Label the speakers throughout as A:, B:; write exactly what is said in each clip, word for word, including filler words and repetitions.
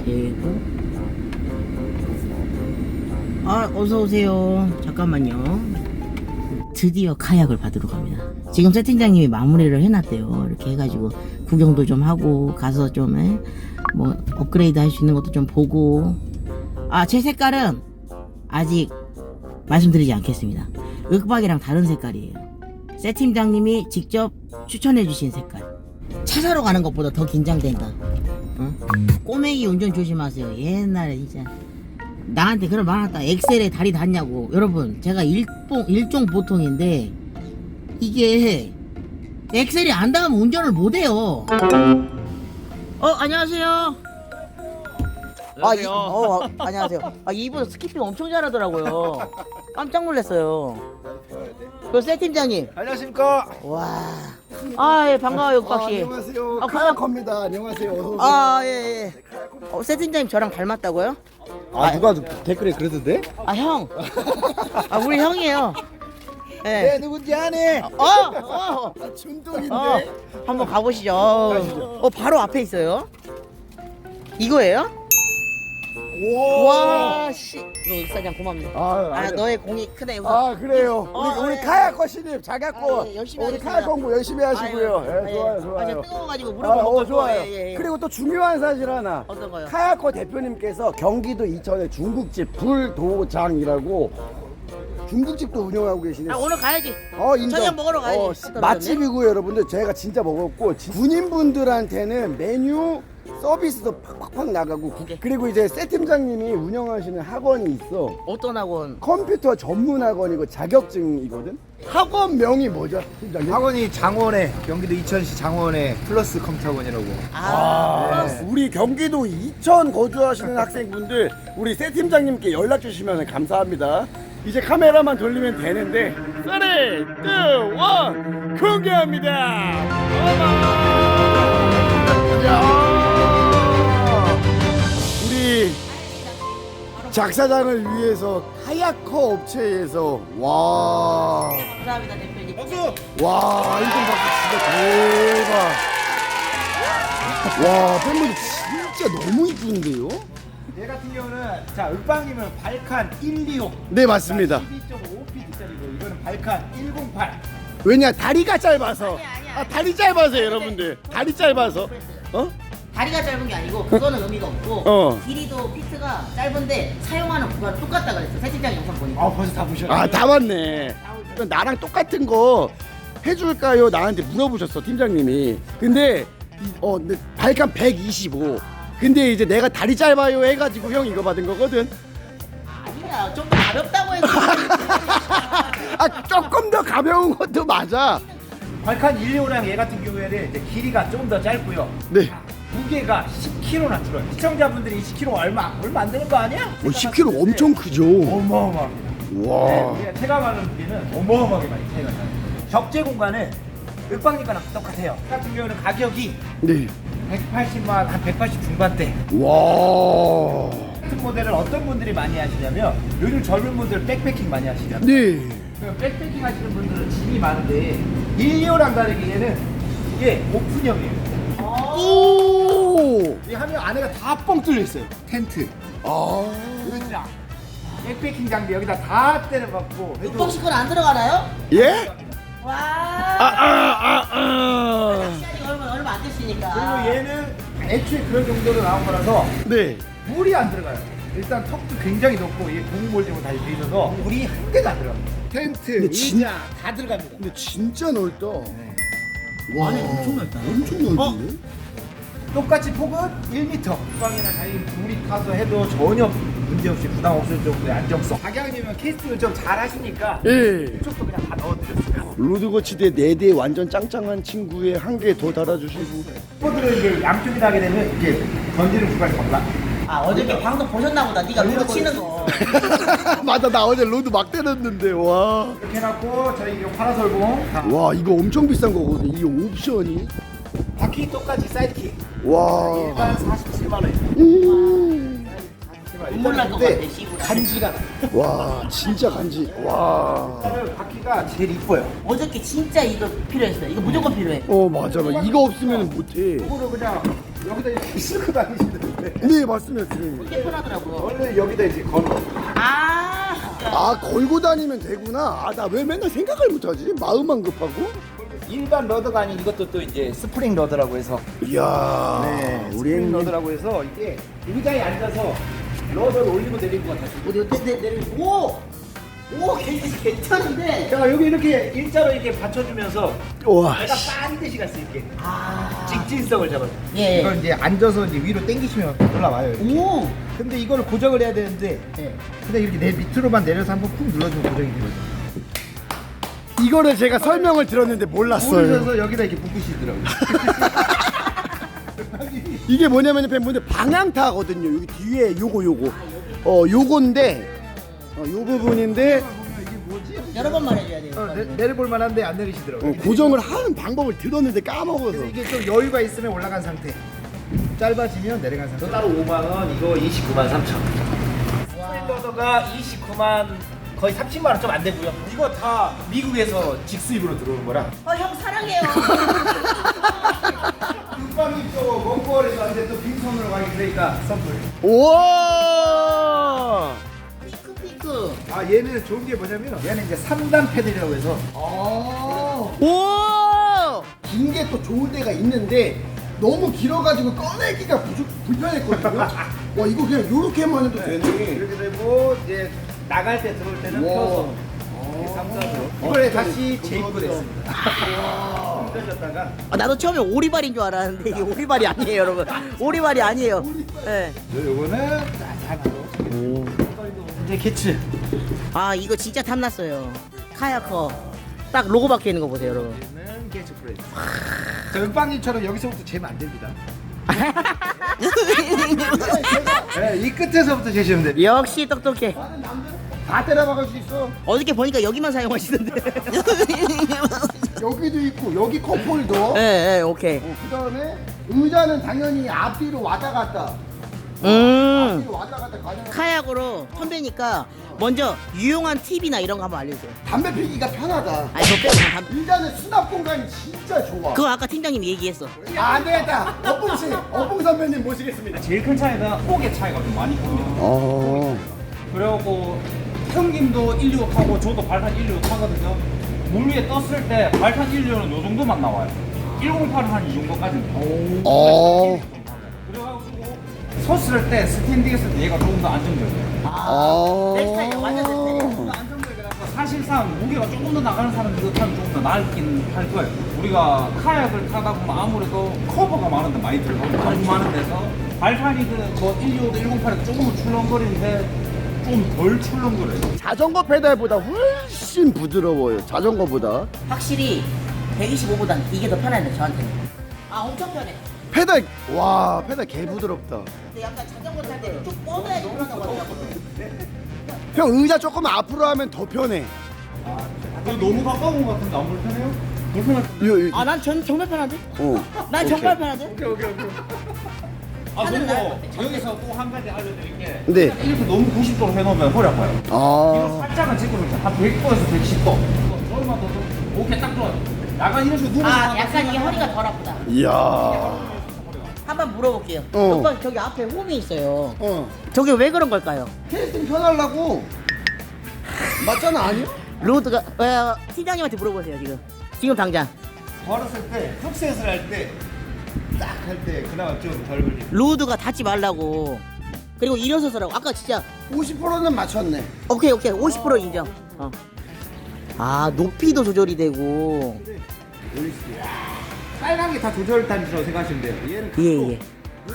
A: 되고. 아, 어서오세요. 잠깐만요. 드디어 카약을 받으러 갑니다. 지금 세팅장님이 마무리를 해놨대요. 이렇게 해가지고 구경도 좀 하고 가서 좀 에, 뭐 업그레이드 할 수 있는 것도 좀 보고. 아, 제 색깔은 아직 말씀드리지 않겠습니다. 윽박이랑 다른 색깔이에요. 세팅장님이 직접 추천해주신 색깔. 차 사러 가는 것보다 더 긴장된다. 어? 꼬맹이 운전 조심하세요. 옛날에 진짜 나한테 그런 말 하다. 엑셀에 다리 닿냐고. 여러분, 제가 일봉, 일종 보통인데 이게 엑셀이 안 닿으면 운전을 못해요. 어, 안녕하세요. 아, 이, 어, 아, 안녕하세요. 아, 이분 스키핑 엄청 잘하더라고요. 깜짝 놀랐어요. 그 세팀장님.
B: 안녕하십니까.
A: 와. 아, 예, 반가워요, 윽박씨.
B: 아, 안녕하세요.
A: 아,
B: 카야커입니다. 안녕하세요. 어서 오세요.
A: 아, 예, 예. 어, 세팀장님 저랑 닮았다고요?
B: 아, 누가 댓글에 그러던데?
A: 아, 형. 아, 우리 형이에요. 예.
B: 네, 누군지 아네.
A: 어, 어.
B: 아, 춘동인데.
A: 어, 한번 가보시죠. 어, 바로 앞에 있어요. 이거예요? 와, 씨. 너 의사장 고맙네.
B: 아,
A: 아,
B: 아니요.
A: 너의 공이 크네. 우선.
B: 아, 그래요.
A: 어,
B: 우리, 우리
A: 예.
B: 카야커 신입 잘 갖고
A: 아, 예, 열심히
B: 우리
A: 하겠습니다.
B: 카야커 공부 열심히 하시고요.
A: 아유,
B: 예,
A: 아,
B: 좋아요,
A: 예.
B: 좋아요.
A: 아, 저 뜨거워가지고
B: 아,
A: 무릎을 못
B: 어,
A: 꿇고.
B: 좋아요.
A: 예, 예, 예.
B: 그리고 또 중요한 사실 하나.
A: 어떤 거요?
B: 카야커 대표님께서 경기도 이천의 중국집 불도장이라고 중국집도 운영하고 계시네.
A: 아, 오늘 가야지.
B: 어, 인정.
A: 저녁 먹으러 가야지.
B: 어,
A: 떨어졌네.
B: 맛집이고요, 여러분들. 제가 진짜 먹었고 진- 군인분들한테는 메뉴 서비스도 팍팍팍 나가고 구-
A: 오케이.
B: 그리고 이제 세 팀장님이 운영하시는 학원이 있어.
A: 어떤 학원?
B: 컴퓨터 전문 학원이고 자격증이거든. 학원명이 뭐죠, 팀장님?
C: 학원이 장원에 경기도 이천시 장원에 플러스 컴퓨터 학원이라고.
A: 아,
B: 네. 우리 경기도 이천 거주하시는 학생분들 우리 세 팀장님께 연락 주시면 감사합니다. 이제 카메라만 돌리면 되는데 삼, 이, 일 공개합니다. 야! 우리 작사장을 위해서 카야커 업체에서 와,
A: 감사합니다, 대표님.
B: 와, 인정 박수 진짜 대박. 와, 팬분들 진짜 너무 이쁜데요?
C: 얘 같은 경우는 자 윽박님은 발칸 백이십오.
B: 네, 맞습니다.
C: 십이 점 오 피트짜리고 이거는 발칸 백팔.
B: 왜냐, 다리가 짧아서. 아, 다리 짧아서 여러분들. 다리 짧아서. 어?
A: 다리가 짧은 게 아니고 그거는 의미가 없고
B: 어.
A: 길이도 피트가 짧은데 사용하는 구간 똑같다 그랬어. 세팅장 영상 보니까.
C: 아 벌써 다 보셨네.
B: 아, 다 맞네. 그럼 나랑 똑같은 거 해줄까요? 나한테 물어보셨어, 팀장님이. 근데 이- 어, 근데 발칸 백이십오. 근데 이제 내가 다리 짧아요 해가지고 형 이거 받은 거거든.
A: 아니야, 좀 더 가볍다고 해서.
B: 아, 조금 더 가벼운 것도 맞아.
C: 발칸 백십오랑 얘 같은 경우에는 이제 길이가 조금 더 짧고요.
B: 네.
C: 무게가 십 킬로그램나 줄어요. 시청자분들이 십 킬로그램 얼마 얼마 안 되는 거 아니야?
B: 어, 십 킬로그램 엄청 크죠.
C: 어마어마합니다. 네,
B: 와.
C: 우리가 체감하는 무게는 어마어마하게 많이 차이가 나요. 적재 공간은 윽박님과랑 똑같아요. 같은 경우는 가격이
B: 네.
C: 백팔십만 한 백팔십 중반대.
B: 와.
C: 같은 모델을 어떤 분들이 많이 하시냐면 요즘 젊은 분들 백패킹 많이 하시잖아요.
B: 네.
C: 그 백패킹 하시는 분들은 짐이 많은데 일리오랑 다르게 얘는 이게 오픈형이에요.
B: 오.
C: 이 하면 안에가 다 뻥 뚫려 있어요. 텐트,
B: 아.
C: 의자, 백패킹 장비 여기다 다 때려박고 해도
A: 육박식 건안 들어가나요?
B: 예?
A: 와.
B: 아, 아, 아, 아.
A: 시간이 얼마 얼마 안 됐으니까.
C: 그리고 얘는 애초에 그런 정도로 나온 거라서
B: 네.
C: 물이 안 들어가요. 일단 턱도 굉장히 높고 이게 고무볼집으로 다 돼 있어서 물이 한 개도 안 들어갑니다. 텐트,
B: 근데 진-
C: 의자 다 들어갑니다.
B: 근데 진짜 넓다.
C: 네.
B: 와.
A: 안에 엄청 넓다.
B: 엄청 넓은데?
C: 똑같이 폭은 일 미터. 주방이나 자리 물이 타서 해도 전혀 문제없이 부담 없을 정도의 안정성. 박양님은 캐스팅을 좀 잘 하시니까
B: 예.
C: 이쪽도 그냥 다 넣어드렸어요.
B: 로드거치대 네 대 완전 짱짱한 친구에 한 개 더 달아주시고.
C: 포들은 이제 양쪽이 나게 되면 이제 던지는 구간이 달라.
A: 아, 어저께 방송 보셨나 보다. 네가 루드 치는 거.
B: 맞아, 나 어제 로드 막 때렸는데. 와.
C: 이렇게 해갖고 저희 이거 파라솔봉 다
B: 와, 이거 엄청 비싼 거거든. 이 옵션이.
C: 바퀴 똑같이 사이드킥
B: 와.
C: 일반 사십칠만 원.
B: 음.
A: 눈물 날 것 같아, 씨부라.
C: 간지가 나.
B: 와, 진짜 간지. 와.
C: 일단은 바퀴가 제일 이뻐요.
A: 어저께 진짜 이거 필요했어요. 이거 무조건 필요해.
B: 어, 맞아. 이거 없으면 못해.
C: 이거를 그냥 여기다 이렇게 싣고 다니시는데
B: 네 맞습니다 지금.
A: 이게 편하더라고요.
C: 원래 여기다 이제 걸어.
A: 아,
B: 아 걸고 다니면 되구나. 아 나 왜 맨날 생각을 못하지? 마음만 급하고.
C: 일반 러더가 아닌 이것도 또 이제 스프링 러더라고 해서
B: 이야.
C: 네,
B: 우리
C: 스프링
B: 형님.
C: 러더라고 해서 이게 의자에 앉아서 러더를 올리고 내리고 같아.
A: 어디 어디 내 내리. 오, 오 괜찮 괜찮은데.
C: 자 여기 이렇게 일자로 이렇게 받쳐주면서
B: 와.
C: 내가 반드시 갈 수 있게
A: 아,
C: 직진성을 잡아.
A: 예.
C: 이걸 이제 앉아서 이제 위로 당기시면 올라와요. 이렇게.
A: 오,
C: 근데 이걸 고정을 해야 되는데
A: 네.
C: 그냥 이렇게 내 밑으로만 내려서 한번 푹 눌러주면 고정이 되거든요.
B: 이거를 제가 설명을 들었는데 몰랐어요.
C: 모르셔서 여기다 이렇게 묶으시더라고요.
B: 이게 뭐냐면 팬분들 방향타거든요. 여기 뒤에 요거 요거. 어 요건데 어, 요 부분인데
C: 이게 뭐지?
A: 여러 번 말해줘야 돼요.
C: 어, 내, 내려볼 만한데 안 내리시더라고요.
B: 어, 고정을 하는 방법을 들었는데 까먹어서.
C: 그래서 이게 좀 여유가 있으면 올라간 상태. 짧아지면 내려간 상태. 따로 오만 원, 이거 이십구만 삼천. 스프링러더가 이십구만 거의 삼십만 원 좀 안 되고요. 이거 다 미국에서 직수입으로 들어오는 거라.
A: 어, 형 사랑해요.
C: 국방이 또 먼거리에서 왔는데 또 빈손으로 가기 그러니까 선물.
B: 우와.
A: 피크 피크.
C: 아 얘는 좋은 게 뭐냐면 얘는 이제 삼 단 패들이라고 해서
B: 우와. 긴 게 또 좋은 데가 있는데 너무 길어가지고 꺼내기가 부족, 불편했거든요. 와 이거 그냥 요렇게만 해도 되네.
C: 이렇게 되고 이제 나갈 때 들어올 때는
B: 와.
C: 펴서 이렇게 삼단으로 이번에 다시 재입고됐습니다. 힘들었다가
A: 아, 나도 처음에 오리발인 줄 알았는데 이게 오리발이 아니에요, 여러분. 오리발이 아니에요. 예.
C: 요거는 짠하고 이제 캐치.
A: 아, 이거 진짜 탐났어요. 카야커. 딱 로고 박혀 있는 거 보세요, 여러분.
C: 는 캐치 프레스. 저 은빵님처럼 여기서부터 재면 안 됩니다. 네, 이 끝에서부터 재시면 돼요.
A: 역시 똑똑해.
B: 다 때려박을 수 있어.
A: 어저께 보니까 여기만 사용하시던데.
B: 여기도 있고 여기 컵홀더.
A: 예, 예, 오케이.
B: 어, 그 다음에 의자는 당연히 앞뒤로 왔다 갔다.
A: 음.
B: 앞뒤로 왔다 갔다 가능.
A: 카약으로 선배니까 먼저 유용한 팁이나 이런 거 한번 알려주세요.
B: 담배 피기가 편하다.
A: 아니, 저 빼고 다-
B: 일단은 수납 공간이 진짜 좋아.
A: 그거 아까 팀장님이 얘기했어.
B: 아, 안 되겠다. 어뽕 씨, 어뽕 선배님 모시겠습니다.
D: 제일 큰 차이가 폭의 차이가 좀 많이 큽니다.
B: 어.
D: 그래갖고 형님도 일류 타고 저도 발탄 일류 타거든요. 물 위에 떴을 때 발탄 일류는 요 정도만 나와요. 일공팔은 한 이 정도까지는 나와요.
B: 어.
D: 그래가지고 섰을 때 스탠딩했을 때 얘가 조금 더 안정적이에요.
B: 어.
A: 내 스타일이야, 완전 내 스타일이야.
D: 조금 더 안정적이라서 사실상 무게가 조금 더 나가는 사람이 이거 타면 조금 더 나을긴 할 거예요. 우리가 카약을 타다 보면 아무래도 커버가 많은데 많이 들어가고 너무 많은 데서 발판이 그뭐 일류도 일공팔도 조금은 출렁거리는데 좀 덜 출렁거려요.
B: 자전거 페달보다 훨씬 부드러워요. 자전거보다.
A: 확실히 백이십오보단 이게 더 편하네, 저한테는. 아, 엄청 편해.
B: 페달 와 페달 개 부드럽다.
A: 근데 약간 자전거 탈 때 좀 뻗어야지 편하다고 하더라고.
B: 형 의자 조금 앞으로 하면 더 편해.
D: 이거 너무 가까운 것 같은데 안 불편해요? 불편할
B: 이거, 이거,
A: 아, 난 전, 정말 편한데?
B: 어.
A: 난 정말 편한데?
D: 오케이 오케이 오케이. 아
A: 하는 날
D: 그리고
A: 같아.
D: 여기서 또 한 가지 알려드릴 게
B: 네.
D: 이렇게 너무 구십 도로 해놓으면 허리 아파요. 이거
B: 아.
D: 살짝은 찍어주세요. 한 백 도에서 백십 도. 조금만 더 더. 오케이 딱 좋아요. 약간 이런 식으로 누워서
A: 아,
D: 하면
A: 약간 이게 허리가 덜 아프다.
B: 이야.
A: 한번 물어볼게요.
B: 어.
A: 오빠, 저기 앞에 홈이 있어요.
B: 어.
A: 저게 왜 그런 걸까요?
B: 캐스팅 편하려고. 맞잖아 아니야?
A: 로드가, 어, 팀장님한테 물어보세요, 지금. 지금 당장.
C: 걸었을 때 흡셋을 할 때 딱 할 때 그나마 좀 덜 걸리.
A: 로드가 닿지 말라고. 그리고 일어서서라고. 아까 진짜
B: 오십 퍼센트는 맞췄네.
A: 오케이 오케이 오십 퍼센트 인정. 어. 아, 높이도 조절이 되고.
C: 빨간 게 다 조절단이라고 생각하시면 돼요. 얘는
A: 예 예.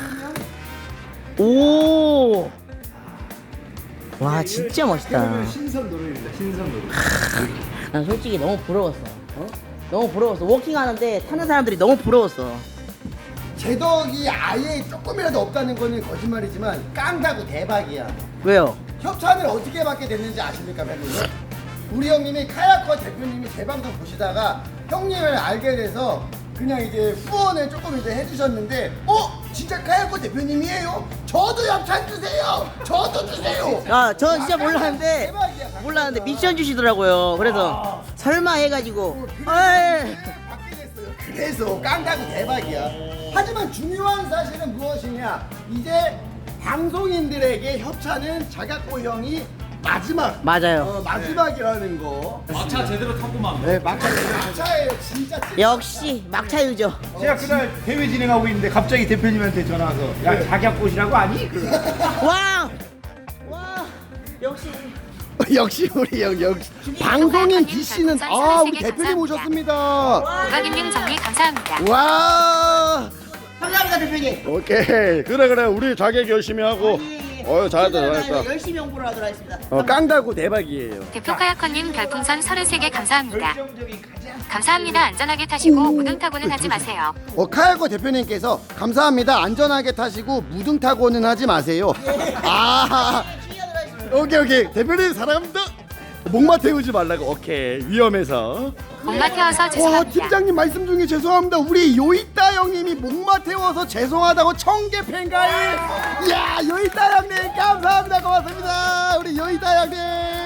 A: 오. 와, 진짜 멋있다.
C: 그러면 신선 노래입니다. 신선 노래.
A: 난 솔직히 너무 부러웠어. 너무 부러웠어. 워킹 하는데 타는 사람들이 너무 부러웠어.
B: 제덕이 아예 조금이라도 없다는 거는 거짓말이지만 깡다고 대박이야.
A: 왜요?
B: 협찬을 어떻게 받게 됐는지 아십니까, 팬분들? 우리 형님이 카야커 대표님이 제 방송 보시다가 형님을 알게 돼서 그냥 이제 후원을 조금 이제 해주셨는데, 어? 진짜 카야커 대표님이에요? 저도 협찬 주세요! 저도 주세요!
A: 아, 저 진짜
B: 아,
A: 몰랐는데
B: 대박이야,
A: 몰랐는데
B: 깡다가.
A: 미션 주시더라고요. 그래서 설마 해가지고. 어이.
B: 받게 됐어요. 계속 깡다구 대박이야. 하지만 중요한 사실은 무엇이냐? 이제 방송인들에게 협찬은 자각고 형이 마지막.
A: 맞아요.
B: 어, 마지막이라는 거.
D: 막차 제대로 타고만.
B: 네, 막차 막차예요, 진짜. 찐
A: 역시 막차 유저.
C: 제가 그날 대회 진행하고 있는데 갑자기 대표님한테 전화 와서 야 자격꽃이라고 아니?
A: 와! 와! 역시.
B: 역시 우리 형 역시 방송인 B 씨는 아 우리 대표님 오셨습니다.
E: 우박인님 정리 감사합니다.
B: 와.
A: 감사합니다, 대표님.
B: 오케이 그래 그래 우리 자격 열심히 하고. 어 잘했다 잘했다.
A: 열심히 홍보를 하도록 하겠습니다.
B: 어 깡다구 대박이에요.
E: 대표 카야커님 별풍선 서른세 개 감사합니다. 감사합니다. 안전하게 타시고 무등 타고는 하지 마세요.
B: 어 카야코 대표님께서 감사합니다. 안전하게 타시고 무등 타고는 하지 마세요. 아 오케이 오케이 대표님 사랑합니다. 목마 태우지 말라고. 오케이 위험해서.
E: 목마 태워서
B: 와
E: 죄송합니다.
B: 팀장님 말씀 중에 죄송합니다. 우리 요이따 형님이 목마 태워서 죄송하다고 청개 팬가일. 이야 요이따 형님 감사합니다. 고맙습니다. 우리 요이따 형님.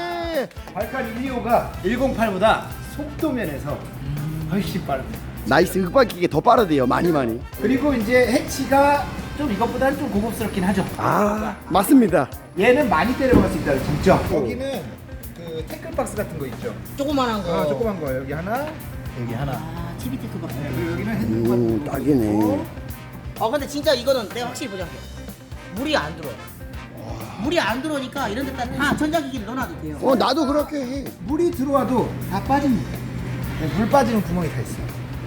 C: 발칸 일이오가 일공팔보다 속도 면에서 훨씬 빠릅니다.
B: 나이스 윽박기계 더 빠르대요. 많이 많이.
C: 그리고 이제 해치가 좀 이것보다는 좀 고급스럽긴 하죠.
B: 아 맞습니다.
C: 얘는 많이 때려갈 수 있다는 장점. 여기는 그 태클 박스 같은 거 있죠.
A: 조그만한 거.
C: 아, 조그만 거예요. 여기 하나, 여기 하나.
A: 아, 티비 테크 박.
C: 네, 그리고 여기는 핸드폰.
B: 오 딱이네.
A: 어 근데 진짜 이거는 내가 확실히 보장해. 물이 안 들어. 물이 안 들어오니까 이런 데다 다 전자기기를 넣어놔도 돼요.
B: 어 나도 그렇게 해.
C: 물이 들어와도 다 빠집니다. 네, 물 빠지는 구멍이 다 있어요.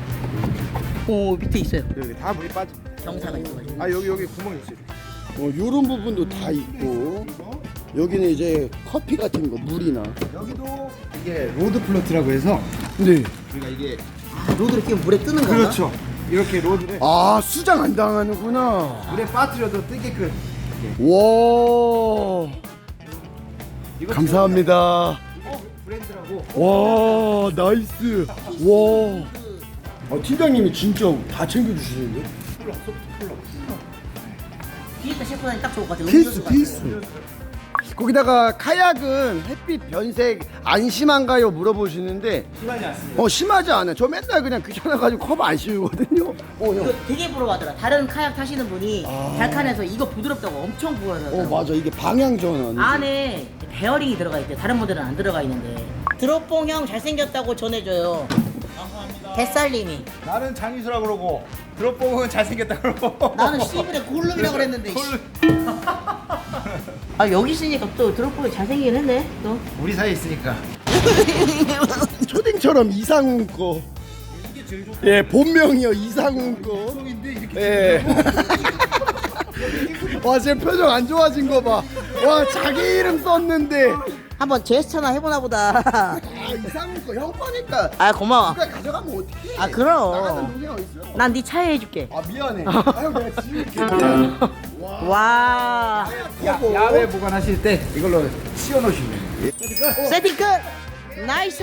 A: 오 밑에 있어요.
C: 여기 다 물이 빠져.
A: 경사가 있어가지고.
C: 아 여기 여기 구멍이 있어요.
B: 어 요런 부분도 다 있고. 여기는 이제 커피 같은 거 물이나.
C: 여기도 이게 로드 플로트라고 해서
B: 네.
C: 우리가 이게
A: 아, 로드를 끼면 물에 뜨는 건가?
C: 그렇죠. 이렇게 로드를
B: 아 수장 안 당하는구나.
C: 물에 빠뜨려도 뜨게끔.
B: 와.
C: 이거
B: 감사합니다.
C: 이거 브랜드라고.
B: 와 나이스. 와. 아 팀장님이 진짜 다 챙겨주시는데?
A: 뒤에다 셰프한테 딱 좋을 것 같아요.
B: 필수
A: 음료수 같은
B: 필수. 거기다가 카약은 햇빛 변색 안 심한가요 물어보시는데
C: 심하지 않습니다.
B: 어 심하지 않아요. 저 맨날 그냥 귀찮아가지고 컵 안 씌우거든요. 어, 형.
A: 이거 되게 부러워하더라. 다른 카약 타시는 분이
B: 아.
A: 발칸에서 이거 부드럽다고 엄청
B: 어
A: 부러워하더라고.
B: 맞아 이게 방향 전환.
A: 안에 베어링이 들어가 있대. 다른 분들은 안 들어가 있는데. 드롭봉 형 잘생겼다고 전해줘요. 감사합니다. 뱃살님이.
C: 나는 장유수라 그러고 드롭봉은 잘생겼다 그러고.
A: 나는 시브레 골룸이라고 그랬는데. 씨. 아 여기 있으니까 또 드롭봉이 잘생기긴 했네. 또.
C: 우리 사이에 있으니까.
B: 초딩처럼 이상훈 거.
C: 이게 제일 좋다.
B: 예 본명이요 이상훈 거.
C: 성인데 이렇게.
B: 예. 와 지금 표정 안 좋아진 거 봐. 와 자기 이름 썼는데.
A: 한번 제스처나 해보나 보다.
B: 아 이상훈 거 형 거니까.
A: 아 고마워.
B: 누가 가져가면 어떡해.
A: 아, 그럼.
B: 나가는 동생 어딨어.
A: 난 네 차에 해줄게.
B: 아 미안해. 아유 내가 지울게. 미안. 와.
A: 와.
C: 야, 야외 보관하실 때 이걸로 씌워놓으시면 돼요.
A: 세팅 끝. 나이스.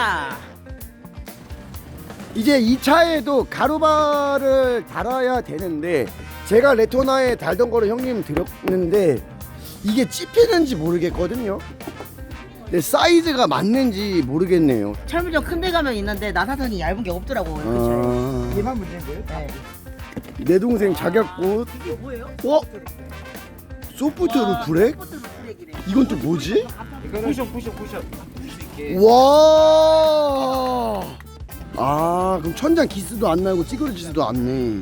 B: 이제 이 차에도 가루바를 달아야 되는데 제가 레토나에 달던 거를 형님 드렸는데 이게 찝히는지 모르겠거든요. 근데 사이즈가 맞는지 모르겠네요.
A: 철물점 큰 데 가면 있는데 나사선이 얇은 게 없더라고. 그
B: 아,
C: 얘만 문제인 거예요?
A: 차에. 네.
B: 내 동생 자격꽃.
A: 이게 뭐예요?
B: 어? 소프트로 브렉?
A: 소프트 브렉이래.
B: 이건 또 뭐지?
C: 이거는 쿠션 쿠션 쿠션 풀수 있게.
B: 와. 아 그럼 천장 기스도 안 나고 찌그러지지도 않네.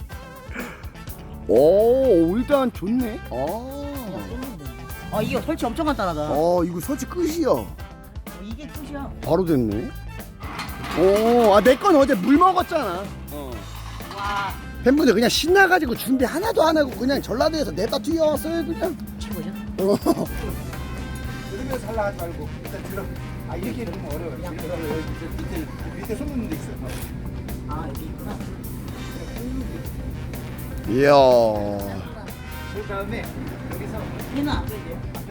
B: 오 일단 좋네. 아.
A: 아 이게 설치 엄청 간단하다.
B: 어 이거 설치 끝이야.
A: 이게 끝이야.
B: 바로 됐네. 오, 아 내 건 어제 물 먹었잖아. 어.
A: 와
B: 팬분들 그냥 신나가지고 준비 하나도 안 하고 그냥 전라도에서 내다 튀어왔어요 그냥.
A: 최고죠.
B: 어.
C: 들으면서 하려 하지 말고 일단 들어. 아 이렇게 넣으면 어려워요. 이렇게 들어. 여기 밑에 밑에 밑에 손 넣는 데 있어요.
A: 아 여기 있구나.
B: 이야.
C: 그 다음에 여기서
A: 얘는 안 되죠.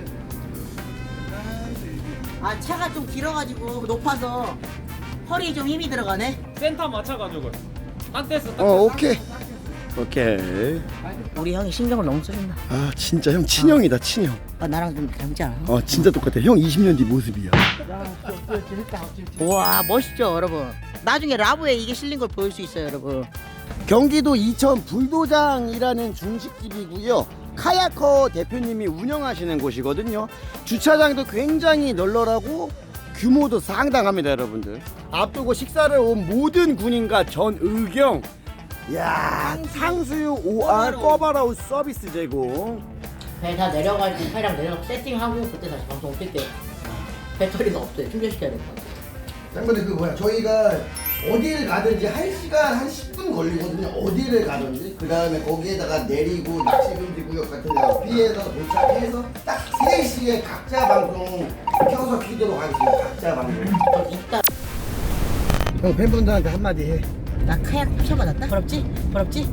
A: 아 차가 좀 길어가지고 높아서 허리에 좀 힘이 들어가네.
D: 센터 맞춰가지고 딴 데서
B: 어 오케이. 오케이.
A: 우리 형이 신경을 너무 써준다.
B: 아 진짜 형 친형이다 친형.
A: 아 나랑 좀 닮지 않아?
B: 어 진짜 똑같아. 형 이십 년 뒤 모습이야.
A: 우와 멋있죠 여러분. 나중에 라보에 이게 실린 걸 보일 수 있어요, 여러분.
B: 경기도 이천 불도장이라는 중식집이고요. 카야커 대표님이 운영하시는 곳이거든요. 주차장도 굉장히 널널하고 규모도 상당합니다, 여러분들. 앞두고 식사를 온 모든 군인과 전의경. 야, 탕수육 오알 꿔바라우 서비스 제공.
A: 배 다 내려가지고 차량 내려가 세팅하고 그때 다시 방송 킬게요. 배터리가 없어요. 충전시켜야 될 것 같아요.
B: 장관님 그 뭐야? 저희가 어디를 가든지 한 시간 한 십 분 걸리거든요. 어디를 가든지. 그 다음에 거기에다가 내리고 낚시금지 구역 같은 데 피해서 도착해서 딱 세 시에 각자 방송 켜서 키도록 하겠습니다. 각자 방송.
A: 어, 이따
B: 형 팬분들한테 한마디 해.
A: 나 카약 부셔받았다? 부럽지? 부럽지?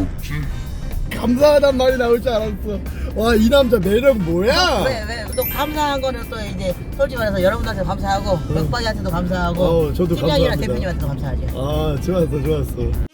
B: 감사하단 말이 나올 줄 알았어. 와, 이 남자 매력 뭐야?
A: 왜, 왜? 또 감사한 거는 또 이제 솔직히 말해서 여러분들한테 감사하고 맥박이한테도 감사하고
B: 어, 저도
A: 팀장이랑
B: 감사합니다.
A: 대표님한테도 감사하죠.
B: 아, 좋았어, 좋았어.